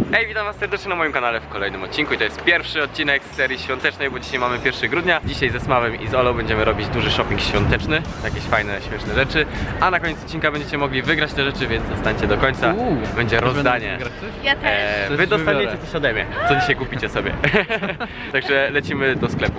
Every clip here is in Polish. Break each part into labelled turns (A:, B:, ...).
A: Hej, witam was serdecznie na moim kanale w kolejnym odcinku i to jest pierwszy odcinek z serii świątecznej, bo dzisiaj mamy 1 grudnia. Dzisiaj ze Smawem i z Olą będziemy robić duży shopping świąteczny, jakieś fajne, śmieszne rzeczy, a na koniec odcinka będziecie mogli wygrać te rzeczy, więc zostańcie do końca. Będzie rozdanie.
B: Ja też.
A: Wy dostaniecie coś ode mnie, co dzisiaj kupicie sobie. Także lecimy do sklepu.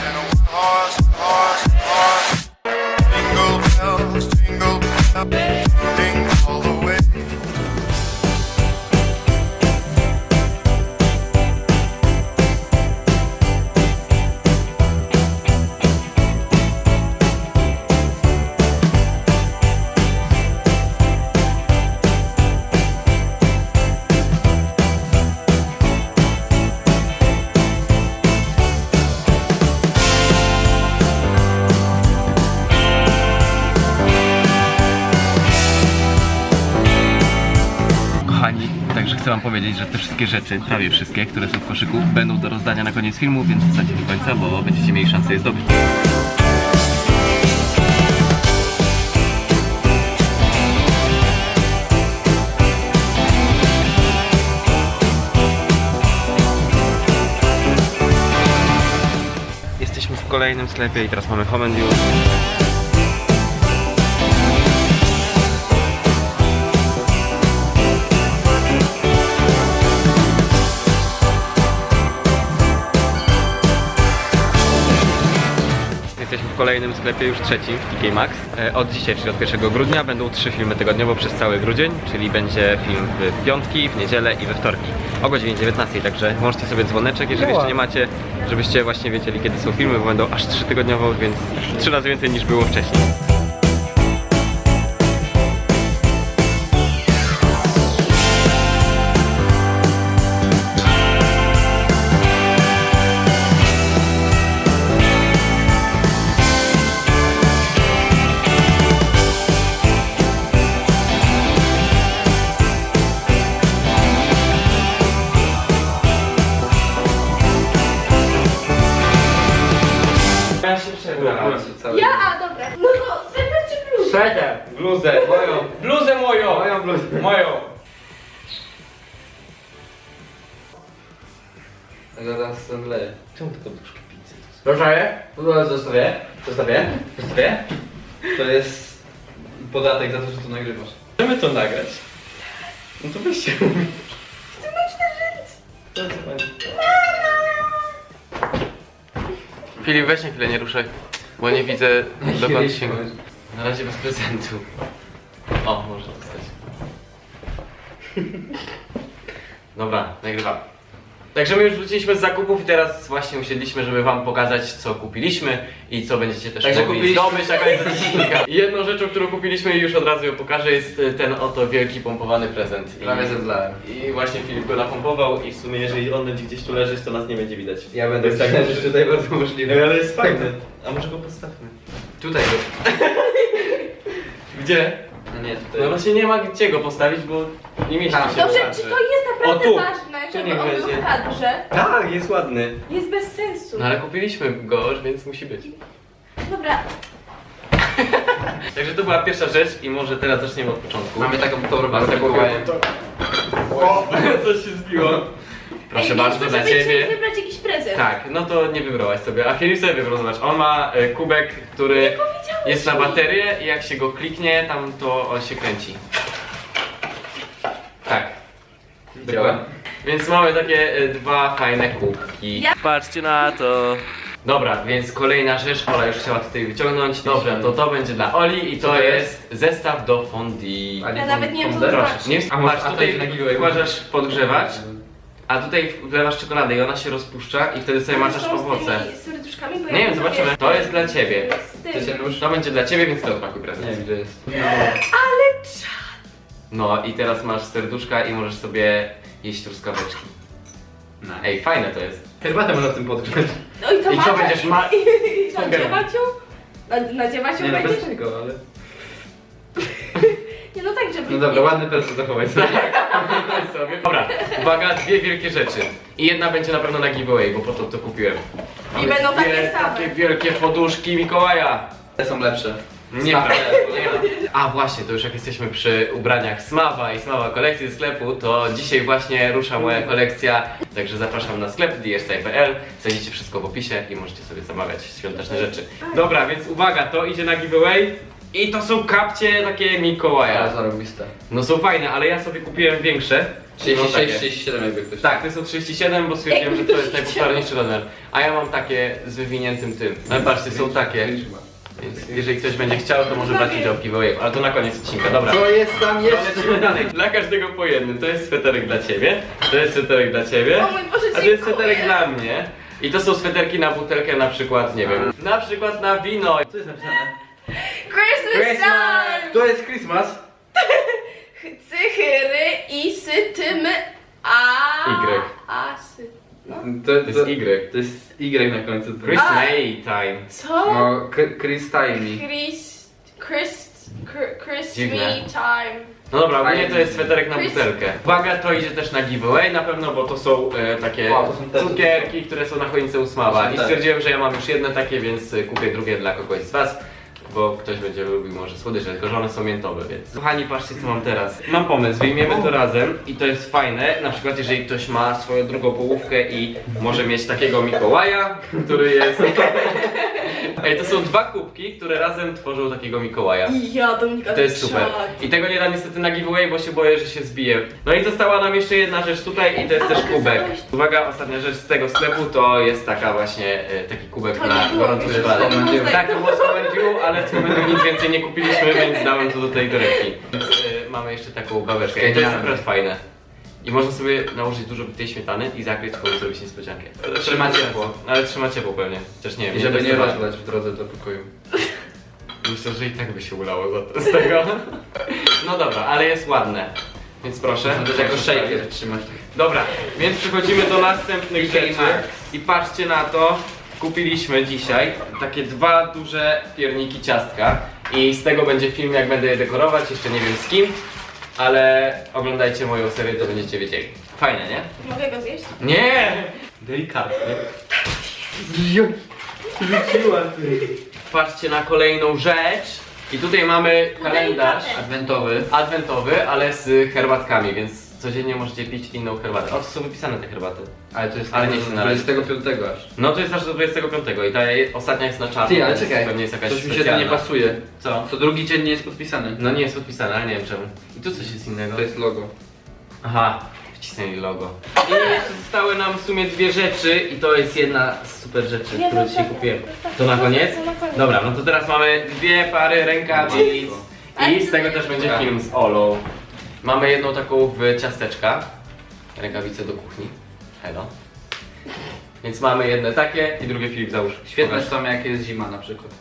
A: Kochani, także chcę wam powiedzieć, że te wszystkie rzeczy, prawie wszystkie, które są w koszyku, będą do rozdania na koniec filmu, więc zostańcie do końca, bo będziecie mieli szansę je zdobyć. Jesteśmy w kolejnym sklepie i teraz mamy Home and Use. Jesteśmy w kolejnym sklepie, już trzecim, w TK Maxx. Od dzisiaj, czyli od 1 grudnia będą 3 filmy tygodniowo przez cały grudzień, czyli będzie film w piątki, w niedzielę i we wtorki o godzinie 19, także możecie sobie dzwoneczek, jeżeli jeszcze nie macie, żebyście właśnie wiedzieli, kiedy są filmy, bo będą aż 3 tygodniowo, więc 3 razy więcej niż było wcześniej. Ja się przebrałem.
B: Ja, a dobra. No to sweter czy bluzę?
A: Sweter, bluzę moją, bluzę moją, moją bluzę, moją.
C: Zaraz zemdleję.
A: Czemu tylko duszki pizzy?
C: Proszę, zostawię. To jest podatek za to, że to nagrywasz.
A: Chcemy to nagrać. No to weźcie. Filip, weź na chwilę, nie ruszaj, bo nie widzę dokąd się... Na razie bez prezentu. O, może dostać. Dobra, nagrywam. Także my już wróciliśmy z zakupów i teraz właśnie usiedliśmy, żeby wam pokazać, co kupiliśmy i co będziecie też
C: Także
A: mogli
C: kupiliśmy-
A: zdobyć na koniec odcinka. Jedną rzeczą, którą kupiliśmy i już od razu ją pokażę, jest ten oto wielki pompowany prezent.
C: Prawie zemdlałem.
A: I właśnie Filip go napompował i w sumie jeżeli on będzie gdzieś tu leżeć, to nas nie będzie widać.
C: Ja będę
A: Jest tak
C: myślał, że tutaj bardzo możliwe.
A: ale jest fajny. A może go postawmy?
C: Tutaj go.
A: Gdzie?
C: No nie, tutaj.
A: No właśnie nie ma gdzie go postawić, bo nie mieści
C: Tam.
A: się w
B: Dobrze,
A: kadrze.
B: czy to jest naprawdę
A: O, tu.
B: ważne,
A: Tu
B: żeby
A: niech
B: on był
A: będzie.
B: w kadrze?
A: Tak, jest ładny.
B: Jest bez sensu.
A: No ale kupiliśmy go już, więc musi być.
B: Dobra,
A: Także to była pierwsza rzecz i może teraz zaczniemy od początku.
C: Mamy taką torbę
A: Mamy
C: z
A: taką
C: Mikołajem.
A: O, coś się zbiło. Proszę
B: ej,
A: bardzo,
B: więc
A: dla
B: sobie
A: ciebie.
B: trzeba wybrać jakiś prezent.
A: Tak, no to nie wybrałaś sobie, a Filip sobie wybrał, zobacz, on ma kubek, który jest na baterię i jak się go kliknie, tam to on się kręci. Tak.
C: Działa.
A: Więc mamy takie dwa fajne kubki.
B: Ja-
A: Patrzcie na to. Dobra, więc kolejna rzecz, Ola już chciała tutaj wyciągnąć. Dobra, to będzie dla Oli i
C: Co
A: to
C: to
A: jest zestaw do fondue.
C: A
B: Ja nawet nie wiem, co to
C: pomidor?
B: znaczy.
A: Nie,
C: A może-
A: patrz,
C: a to
A: tutaj
C: jest na giveaway.
A: wkładasz podgrzewacz, a tutaj wlewasz czekoladę i ona się rozpuszcza i wtedy sobie maczasz
B: Są z
A: owoce.
B: tymi serduszkami, bo
A: Nie
B: ja
A: wiem, zobaczymy. To jest dla ciebie.
B: z tym.
C: Chcecie nóż?
A: To będzie dla ciebie, więc to odpakuj prezent.
C: Nie wiem, gdzie jest.
B: Ale czad.
A: No i teraz masz serduszka i możesz sobie jeść truskaweczki. Ej, fajne to jest.
C: Herbatę można w tym podgrzać.
B: No i to
A: I co będziesz ma...
B: Nadziewać ją? Nadziewać ją
C: Nie no,
B: będziesz?
C: bez tego, ale...
B: Nie no tak, żeby...
C: No dobra, ładny prezent zachować sobie.
A: sobie. Dobra, uwaga, dwie wielkie rzeczy. I jedna będzie na pewno na giveaway, bo po to kupiłem.
B: I będą takie same.
A: Takie wielkie poduszki Mikołaja.
C: Te są lepsze.
A: Nieprawda. A właśnie, to już jak jesteśmy przy ubraniach Smawa i Smawa kolekcji ze sklepu, to dzisiaj właśnie rusza moja kolekcja, także zapraszam na sklep dsstyle.pl, znajdziecie wszystko w opisie i możecie sobie zamawiać świąteczne rzeczy. Dobra, więc uwaga, to idzie na giveaway i to są kapcie takie Mikołaja.
C: zarobiste.
A: No są fajne, ale ja sobie kupiłem większe. No, takie.
C: 37 jakby ktoś.
A: Tak, to są 37, bo stwierdziłem, że to jest najpopularniejszy rozmiar. A ja mam takie z wywiniętym tym. Ale patrzcie, są takie. Więc jeżeli ktoś będzie chciał, to może brać udział w giveaway, ale to na koniec odcinka, dobra.
C: Co jest tam
A: Lecimy dalej. Dla każdego po jednym. To jest sweterek dla ciebie, to jest sweterek dla ciebie,
B: O mój Boże,
A: a to jest
B: dziękuję.
A: sweterek dla mnie. I to są sweterki na butelkę na przykład, nie wiem, na przykład na wino.
C: Co jest napisane?
B: Christmas time!
C: To jest Christmas.
B: Cychyry i sytymy a...
A: Y.
B: Asy. No.
C: To
A: jest Y.
C: To jest Y na końcu.
A: Christmas time.
B: Co?
C: No, Chris Timey.
B: Chris
A: Dziwne.
B: me time.
A: No dobra, ogólnie to jest sweterek na butelkę. Uwaga, to idzie też na giveaway na pewno, bo to są takie
C: O, to są te
A: cukierki, które są na choince u Smawa.
C: To są
A: I
C: te.
A: stwierdziłem, że ja mam już jedne takie, więc kupię drugie dla kogoś z was. Bo ktoś będzie lubił może słodycze, tylko że one są miętowe, więc... Kochani, patrzcie co mam teraz. Mam pomysł, wyjmiemy to razem i to jest fajne. Na przykład jeżeli ktoś ma swoją drugą połówkę i może mieć takiego Mikołaja, który jest... Ej, to są dwa kubki, które razem tworzą takiego Mikołaja.
B: I ja Dominika
A: To jest super. I tego nie dam niestety na giveaway, bo się boję, że się zbije. No i została nam jeszcze jedna rzecz tutaj i to jest też kubek. Uwaga, ostatnia rzecz z tego sklepu to jest taka właśnie taki kubek
B: To
A: na
B: nie było
A: gorący
B: już
A: wypadek.
B: z Comment You.
A: Tak, to było z Comment You, ale z Comment You nic więcej nie kupiliśmy, więc dałem to do tej torebki. Więc mamy jeszcze taką babeczkę i to jest akurat fajne. I można sobie nałożyć dużo tej śmietany i zakryć, komuś zrobić niespodziankę.
C: Trzyma ciepło.
A: Ale trzyma ciepło pewnie. Chociaż nie wiem.
C: I żeby nie
A: testowałem.
C: rozlać w drodze do pokoju.
A: Myślę, że i tak by się ulało z tego. No dobra, ale jest ładne. Więc proszę.
C: To też jako shaker trzymać.
A: Dobra, więc przechodzimy do następnych
C: Mickey
A: rzeczy.
C: Max.
A: I patrzcie na to. Kupiliśmy dzisiaj takie dwa duże pierniki ciastka. I z tego będzie film, jak będę je dekorować. Jeszcze nie wiem z kim. Ale oglądajcie moją serię, to będziecie wiedzieli. Fajne, nie?
B: Mogę go zjeść?
A: Nie! Delikatnie. Rzuciła ty. Patrzcie na kolejną rzecz. I tutaj mamy kalendarz
C: Adwentowy.
A: adwentowy, ale z herbatkami, więc codziennie możecie pić inną herbatę. O, to są wypisane te herbaty.
C: Ale to jest
A: Ale nie chcę na razie.
C: 25 aż.
A: No to jest aż do 25 i ta ostatnia jest na czarno.
C: Ty, ale
A: więc
C: czekaj.
A: Pewnie jest jakaś
C: Coś mi się
A: specjalna.
C: tam nie pasuje.
A: Co?
C: To drugi dzień nie jest podpisany.
A: No nie jest podpisane, ale nie wiem czemu. I tu coś jest innego.
C: To jest logo.
A: Aha, wcisnęli logo. I jeszcze zostały nam w sumie dwie rzeczy i to jest jedna z super rzeczy,
B: Nie,
A: którą
B: no
A: dzisiaj
B: tak,
A: kupiłem.
B: tak,
A: To na koniec?
B: to na koniec.
A: Dobra, no to teraz mamy dwie pary rękawic i z tego też będzie film z Olą. Mamy jedną taką w ciasteczka, rękawice do kuchni. Hello. Więc mamy jedne takie i drugie Filip załóż.
C: Świetne
A: Pokaż.
C: są jak jest zima na przykład.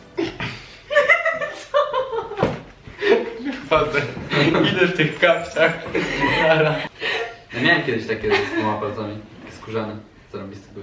A: Chodzę. Idę w tych kapciach.
C: Ja miałem kiedyś takie z dwoma palcami. Takie skórzane. Zarobiste były.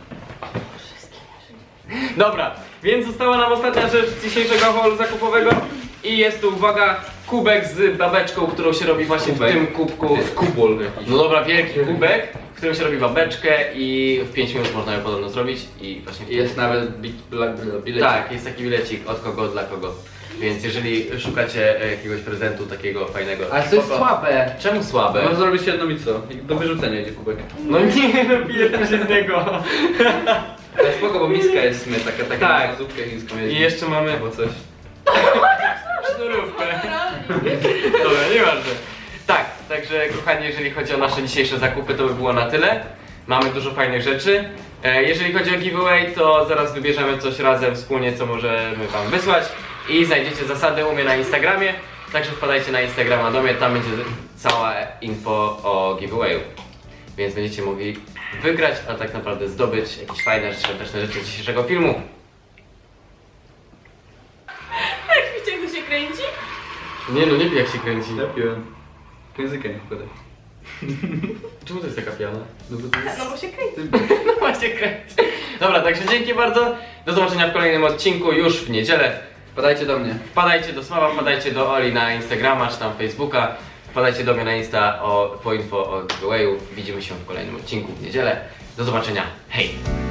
A: Dobra, więc została nam ostatnia rzecz z dzisiejszego haulu zakupowego i jest to, uwaga, kubek z babeczką, którą się robi właśnie
C: Kubek.
A: w tym kubku.
C: To jest kubol jakiś.
A: No dobra, wielki kubek, w którym się robi babeczkę i w 5 minut można ją podobno zrobić i właśnie...
C: I jest nawet bilet.
A: Tak, jest taki bilecik od kogo, dla kogo. Więc jeżeli szukacie jakiegoś prezentu takiego fajnego...
C: Ale to jest
A: spoko.
C: słabe.
A: Czemu słabe?
C: Możesz zrobić jedną i co? I do wyrzucenia idzie kubek.
A: No nie, no piję się z niego.
C: Ale spoko, bo miska jest w sumie taka
A: Tak.
C: na zupkę chińską
A: I jeszcze mamy
C: albo coś.
A: sznurówkę. Dobra, nieważne. Tak, także kochani, jeżeli chodzi o nasze dzisiejsze zakupy, to by było na tyle. Mamy dużo fajnych rzeczy. Jeżeli chodzi o giveaway, to zaraz wybierzemy coś razem wspólnie, co możemy wam wysłać. I znajdziecie zasady u mnie na Instagramie. Także wpadajcie na Instagrama do mnie, tam będzie cała info o giveawayu. Więc będziecie mogli wygrać, a tak naprawdę zdobyć jakieś fajne, świąteczne rzeczy z dzisiejszego filmu.
B: Jak widzicie, jak to się kręci?
A: Nie no, nie wiem jak się kręci.
C: Lepiłem. Językiem nie wkładaj.
A: Czemu to jest taka piana?
C: No bo to jest...
B: No bo się kręci.
A: No właśnie kręci. Dobra, także dzięki bardzo. Do zobaczenia w kolejnym odcinku już w niedzielę.
C: Wpadajcie do mnie.
A: Wpadajcie do Smawa, wpadajcie do Oli na Instagrama czy tam Facebooka. Wpadajcie do mnie na Insta po info o giveawayu. Widzimy się w kolejnym odcinku w niedzielę. Do zobaczenia. Hej!